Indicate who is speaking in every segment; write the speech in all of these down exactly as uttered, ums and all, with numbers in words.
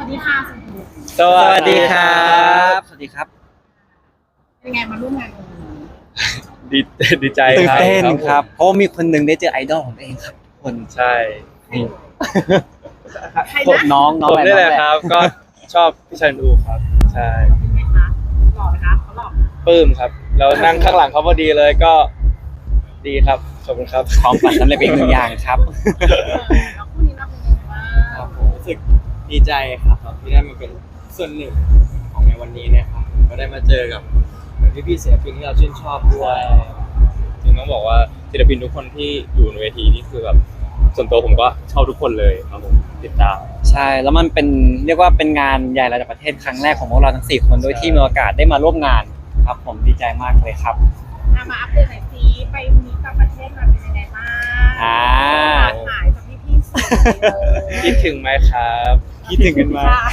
Speaker 1: ดีค่ะสมุทร
Speaker 2: สวัสดีครับสวัสดีครับ
Speaker 1: เป็นไงมาร่วมงานกันวันนี้
Speaker 2: ดีดีใจ
Speaker 3: ตื่นเต้น
Speaker 2: ผม
Speaker 3: ครับเพราะว่ามีคนหนึ่งได้เจอไอดอลของตัวเองครับคน
Speaker 2: ใช่
Speaker 1: ใคร
Speaker 3: ผม
Speaker 1: นะ
Speaker 3: น้องน้อง
Speaker 2: ผม
Speaker 3: อะไร
Speaker 2: นี่
Speaker 3: น้
Speaker 2: แห
Speaker 3: อง
Speaker 2: ละ
Speaker 3: แห
Speaker 2: ค
Speaker 3: ละ
Speaker 2: รับ ก็ชอบพี่ชันอูครับ ใช่
Speaker 1: เป็นไงคะหล่อไหมคะเขาหล่อไหม
Speaker 2: ปลื้มครับแล้วนั่งข้างหลังเขาพอดีเลยก็ดีครับขอบคุณครับ
Speaker 3: ความฝันสำเร็จเป็นอีกหนึ่งอย่างครับ
Speaker 1: เออแล้วคู่นี้เราเป็นยังไงบ้าง
Speaker 4: รู้สึกดีใจครับที่ได้มาเป็นส่วนหนึ่งของในวันนี้เนะครับก็ได้มาเจอกับพี่พี่ๆศิลปินที่เราชื่นชอบด้วย
Speaker 2: จริงต้องบอกว่าศิลปินทุกคนที่อยู่ในเวทีนี่คือแบบส่วนตัวผมก็ชอบทุกคนเลยครับผมติดตาม
Speaker 3: ใช่แล้วมันเป็นเรียกว่าเป็นงานใหญ่ระดับประเทศครั้งแรกของพวกเราทั้งสี่คนโดยที่มีโอกาสได้มาร่วมงานครับผมดีใจมากเลยครับ
Speaker 1: อ่ะมาอัปเดตหน่อยสิไปมีต่างประเทศมาเป็นยังไงบ้าง
Speaker 3: อ่า
Speaker 1: หายจากพี่พี่ๆสื่อเลย
Speaker 2: คิดถึงไหมครับ
Speaker 3: คิดถึงกันมาก
Speaker 1: ค่ะ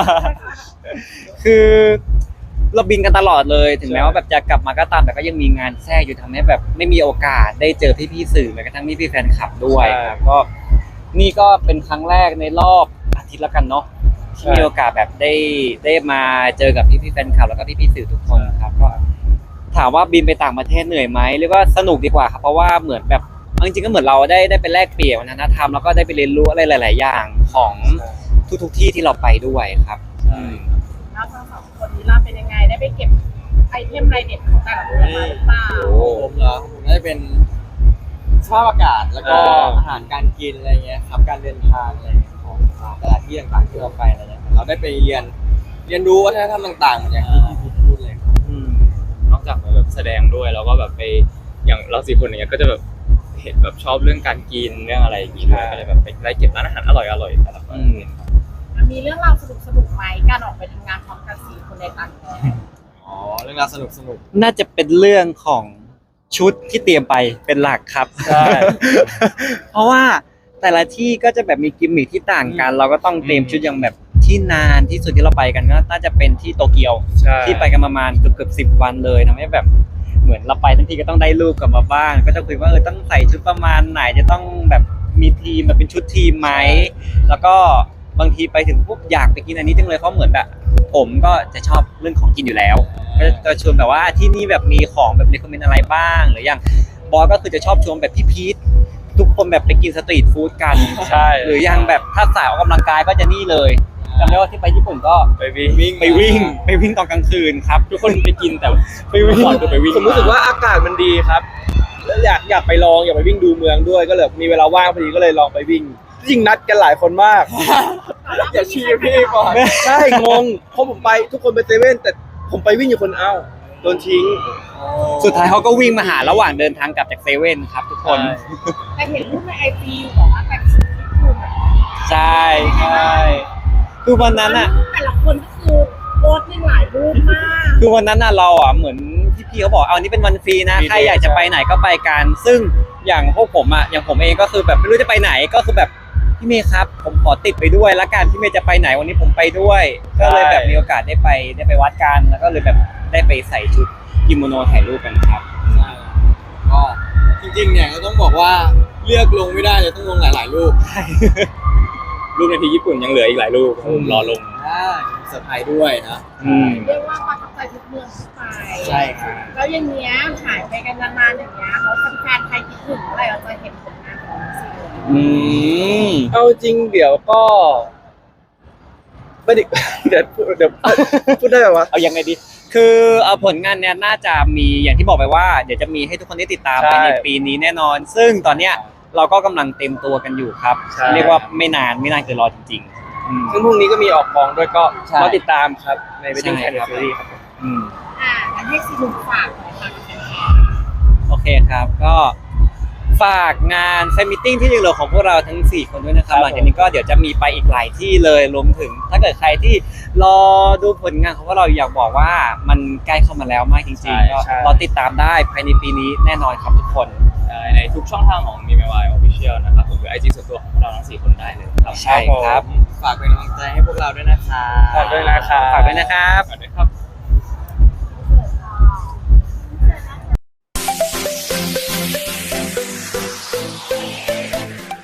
Speaker 3: คือเราบินกันตลอดเลยถึงแม้ว่าแบบจะกลับมาก็ตามแต่ก็ยังมีงานแทรกอยู่ทำให้แบบไม่มีโอกาสได้เจอพี่ๆสื่อแม้กระทั่งพี่ๆแฟนคลับด้วยครับก็นี่ก็เป็นครั้งแรกในรอบอาทิตย์แล้วกันเนาะที่มีโอกาสแบบได้ได้มาเจอกับพี่ๆแฟนคลับแล้วก็พี่ๆสื่อทุกคนครับก็ถามว่าบินไปต่างประเทศเหนื่อยไหมเรียกว่าสนุกดีกว่าครับเพราะว่าเหมือนแบบเอาจริงๆก็เหมือนเราได้ได้ไปแลกเปลี่ยนวัฒนธรรมแล้วก็ได้ไปเรียนรู้อะไรหลาย ๆ อย่างของทุกๆที่ที่เราไปด้วยครับอืม
Speaker 1: แล้วทั้งสองคนนี้เราเป็นยังไงได้ไปเก็บไอเทมไรเด็ดของแต่ละประเทศมาหรือเปล่า
Speaker 4: โอ้ผมเหรอผมน่าจะเป็นสภาพอากาศแล้วก็
Speaker 2: อ่า
Speaker 4: อาหารการกินอะไรเงี้ยครับการเดินทางอะไรเงี้ยของแต่ละที่ต่างๆที่เราไปอะไรเงี้ยเราได้ไปเรียนเรียนรู้วัฒนธรรมต่างๆเหมือนอย่างที่พี่พีทพูดเลยครับ
Speaker 3: อืม
Speaker 2: นอกจากแบบแสดงด้วยแล้วก็แบบไปอย่างเราสี่คนอย่างเงี้ยก็จะแบบเห็นแบบชอบเรื่องการกินเรื่องอะไรอย่างงี้ด้วยก็เลยแบบไปไล่เก็บร้านอาหารอร่อยอร่อยแต่ละคน
Speaker 3: อืม
Speaker 1: มีเรื่องราวสนุกสนุกๆไหมการออกไปทำงานพร้อมกันสี่คนในต่างประเทศ
Speaker 4: อ๋อเรื่องราวสนุกสนุก
Speaker 3: น่าจะเป็นเรื่องของชุดที่เตรียมไปเป็นหลักครับ
Speaker 2: ใช่
Speaker 3: เพราะว่าแต่ละที่ก็จะแบบมีกิมมิคที่ต่างกัน เราก็ต้องเตรียมชุดอย่างแบบที่นานที่สุดที่เราไปกันก็น่าจะเป็นที่โตเกียว
Speaker 2: ใช่
Speaker 3: ที่ไปกันประมาณเกือบเกือบสิบวันเลยทำให้แบบเหมือนเราไปทั้งทีก็ต้องได้รูปกลับมาบ้างก็จะคุยว่าเออต้องใส่ชุดประมาณไหนจะต้องแบบมีทีมแบบเป็นชุดทีมไหมแล้วก็บางทีไปถึงปุ๊บอยากไปกินอันนี้จังเลยเพราะเหมือนแบบผมก็จะชอบเรื่องของกินอยู่แล้ว ก็จะชวนแบบว่าที่นี่แบบมีของแบบเรคคอมเมนต์อะไรบ้าง หรืออย่างบอสก็คือจะชอบชวนแบบพี่พีททุกคนแบบไปกินสตรีทฟู้ดกัน
Speaker 2: ใช่
Speaker 3: หรืออย่างแบบถ้าสายออกกำลังกายก็จะนี่เลยจำได้ว่าที่ไปญี่ปุ่นก็
Speaker 2: ไปวิ่ง
Speaker 3: ไปวิ่งไปวิ่งตอนกลางคืนครับ
Speaker 2: ทุกคนไปกินแต่
Speaker 3: ไปวิ่ง
Speaker 2: ก่อนคือไปวิ่ง
Speaker 5: ผมรู้สึกว่าอากาศมันดีครับแล้วอยากอยากไปลองอยากไปวิ่งดูเมืองด้วยก็เลยมีเวลาว่างพอดีก็เลยลองไปวิ่งจริงนัดกันหลายคนมาก
Speaker 4: อย่าชี้พี่ก่อน
Speaker 5: ใช่งงเพราะผมไปทุกคนไปเซเว่นแต่ผมไปวิ่งอยู่คนเอ้าโดนทิ้ง
Speaker 3: สุดท้ายเขาก็วิ่งมาหาระหว่างเดินทางกลับจากเซเว่นครับทุกคน
Speaker 1: แต่เห็นรูปในไอจีอยู่บอกว่าแต่งชุดญี่ปุ่นอะ
Speaker 3: ใช่ใช่คือวันนั้นอ่ะ
Speaker 1: รูปแต่ละคนก็คือโพสต์ในหลายรูปมาก
Speaker 3: คือวันนั้นน่ะเราอ่ะเหมือนพี่ๆเขาบอกเอาอันนี้เป็นวันฟรีนะ
Speaker 2: ฟรี
Speaker 3: ใครอยากจะไปไหนก็ไปกัน ซึ่งอย่างพวกผมอ่ะอย่างผมเองก็คือแบบไม่รู้จะไปไหนก็คือแบบพี่เมย์ครับ ผมขอติดไปด้วยละกันพี่เมย์จะไปไหนวันนี้ผมไปด้วย ก็เลยแบบมีโอกาสได้ไปได้ไปวัดกันแล้วก็เลยแบบได้ไปใส่ชุดกิโมโนถ่ายรูปกันครับ
Speaker 4: ใช่ก็จริงๆเนี่ยก็ต้องบอกว่าเลือกลงไม่ได้เลยต้องลงหลายๆรูป
Speaker 2: รูปในที่ญี่ปุ่นยังเหลืออีกหลายรูปผมรอลง
Speaker 4: อ่าเซอร์ไพรส์ด้วยนะ
Speaker 3: อืม
Speaker 1: เรียกว่าประทับใจทุกเมืองที่ไป
Speaker 4: ใช่ครับ
Speaker 1: แล้วอย่างเงี้ยหายไปกันนานๆอย่างเงี้ยแล้วแฟนๆไทยคิดถึงเมื่อไหร่เราจะเห็นผลงานของซีรีส์
Speaker 3: อืม
Speaker 5: เอาจริงเดี๋ยวก็ไม่ได้ เดี๋ยวพูดเดี๋ยวพูดได้ไหมวะ
Speaker 3: เอายังไงดี คือเอาผลงานเนี่ยน่าจะมีอย่างที่บอกไปว่าเดี๋ยวจะมีให้ทุกคนได้ติดตาม
Speaker 5: ใช่
Speaker 3: ภายในปีนี้แน่นอน ซึ่งตอนเนี้ยเราก็กำลังเต็มตัวกันอยู่ครับ
Speaker 5: ใช่
Speaker 3: เรียกว่าไม่นานไม่นานเกินรอจริงๆอืม
Speaker 5: ซึ่งพรุ่งนี้ก็มีออกกองด้วยก็
Speaker 3: ใช่
Speaker 5: รอติดตามครับใน Wedding
Speaker 3: ใช่
Speaker 5: Plan
Speaker 3: ครับ
Speaker 5: Series ครับ
Speaker 3: อืม
Speaker 1: อ่าอันให้ซีรีส์ฝากหน่อยค่ะกับแฟน
Speaker 3: โอเคครับก็ฝากงานแฟนมิทติ้งที่ยังเหลือของพวกเราทั้งสี่คนด้วยนะครับ
Speaker 5: ครับ
Speaker 3: หลังจากนี้ก็เดี๋ยวจะมีไปอีกหลายที่เลยรวมถึง ถ้าเกิดใครที่รอดูผลงานของพวกเราอยากบอกว่ามันใกล้เข้ามาแล้วมากจริง
Speaker 2: ใช่
Speaker 3: ๆก็
Speaker 5: ใช่
Speaker 3: รอติดตามได้ภายในปีนี้แน่นอนครับทุกคน
Speaker 2: ใช่ในทุกช่องทางของมีเมวายออฟฟิเชียลนะครับผมหรือไอจีส่วนตัวของพวกเราทั้งสี่คนได้เลยครับ
Speaker 3: ใช่ครับ
Speaker 4: ฝากเป็นกำลังใจให้พวกเราด้วยนะครับ
Speaker 5: ฝากด้วยนะครับ
Speaker 3: ฝากด้วยนะครับ
Speaker 2: ฝากด้วยครับ